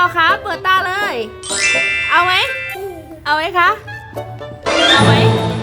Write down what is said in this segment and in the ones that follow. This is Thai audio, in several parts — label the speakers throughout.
Speaker 1: คะเปิดตาเลย เอาไหมเอาไหมคะเอาไหม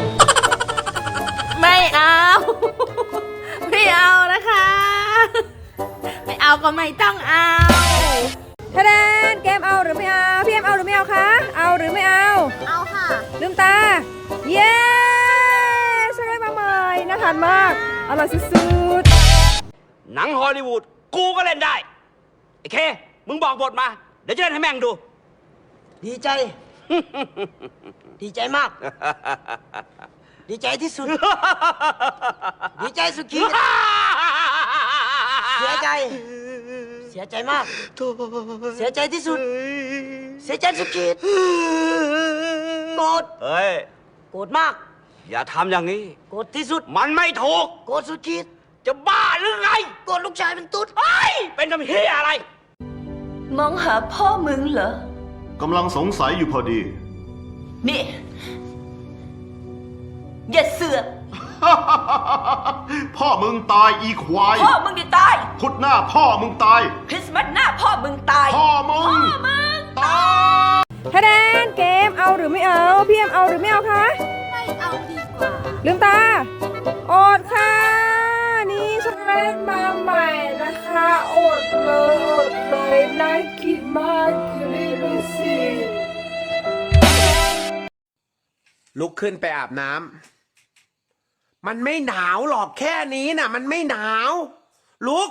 Speaker 1: ไม่เอาไม่เอานะคะไม่เอาก็ไม่ต้องเอา
Speaker 2: ทะแนนเกมเอาหรือไม่เอาพี่เอ็มเอาหรือไม่เอาคะเอาหรือไม่เอา
Speaker 1: เอาค่ะ
Speaker 2: ลืมตาเย้ใช่ไหมมาใหม่น่าทานมากอร่อยสุด
Speaker 3: หนังฮอลลีวูดกูก็เล่นได้ไอ้เคมึงบอกบทมาเดี๋ยวจะเล่นให้แม่งดู
Speaker 4: ดีใจ ดีใจมาก ดีใจที่สุด ดีใจสุดขีดเสียใจ เสียใจมาก เสียใจที่สุด เสียใจสุดขีดโกรธ
Speaker 3: เฮ้ย
Speaker 4: โกรธมาก
Speaker 3: อย่าทำอย่างนี้
Speaker 4: โกรธที่สุด
Speaker 3: มันไม่ถูก
Speaker 4: โกรธสุดขีด
Speaker 3: จะบ้าหรือไง
Speaker 4: โกรธลูกชายเป็นตุ๊ด
Speaker 3: เฮ้ยเป็นทำเฮียอะไร
Speaker 5: มองหาพ่อมึงเหรอ
Speaker 6: กำลังสงสัยอยู่พอดี
Speaker 5: นี่ อย่าเสือก
Speaker 6: พ่อมึงตายอีควาย
Speaker 5: พ่อมึงได้ตาย
Speaker 6: พุธหน้าพ่อมึงตาย
Speaker 5: คริสต์มาสหน้าพ่อมึงตาย
Speaker 6: พ่อมึงตาย
Speaker 2: ๆทะแนนเกมเอาหรือไม่เอาพี่เอ็มเอาหรือไม่เอาคะ
Speaker 1: ไม่เอาดีกว่า
Speaker 2: ลืมตาอดค่ะนี่ใช่ไหมมาใหม่นะคะอดเลยน่ากินมากเลยดูสิ
Speaker 7: ลุกขึ้นไปอาบน้ำมันไม่หนาวหรอกแค่นี้น่ะมันไม่หนาว ลุก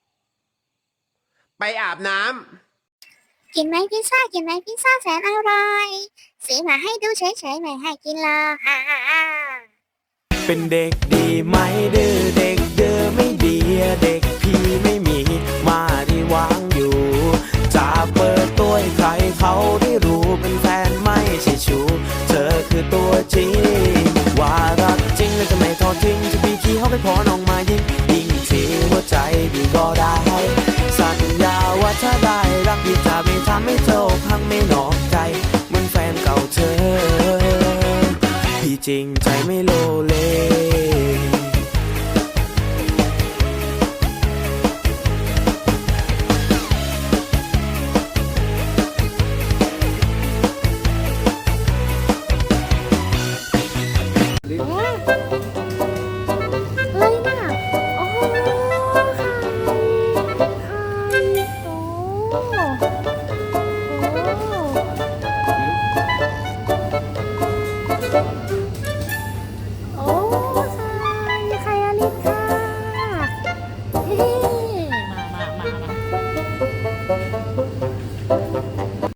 Speaker 7: ไปอาบน้ำ
Speaker 8: กินไหมพิซซ่ากินไหมพิซซ่าแสนอร่อยซื้อมาให้ดูเฉยๆไม่ให้กินหรอกฮ่าฮ่าฮ่า
Speaker 9: เป็นเด็กดีไหมดื้อเด็กเดือไม่ดีเด็กพี่ไม่มีมาที่วางอยู่จะเปิดตัวให้ใครเขาได้รู้เป็นแฟนไม่ใช่ชู้เธอคือตัวจริงว่ารักจริงแล้วจะไม่ทอดทิ้งจะพี่ขี้เขาไปขอน้องมายิงยิงทีหัวใจพี่ก็ได้สัญญาว่าถ้าได้รักพี่จะไม่ทำให้เธอพังไม่นอกใจเหมือนแฟนเก่าเธอพี่จริงใจไม่โลเล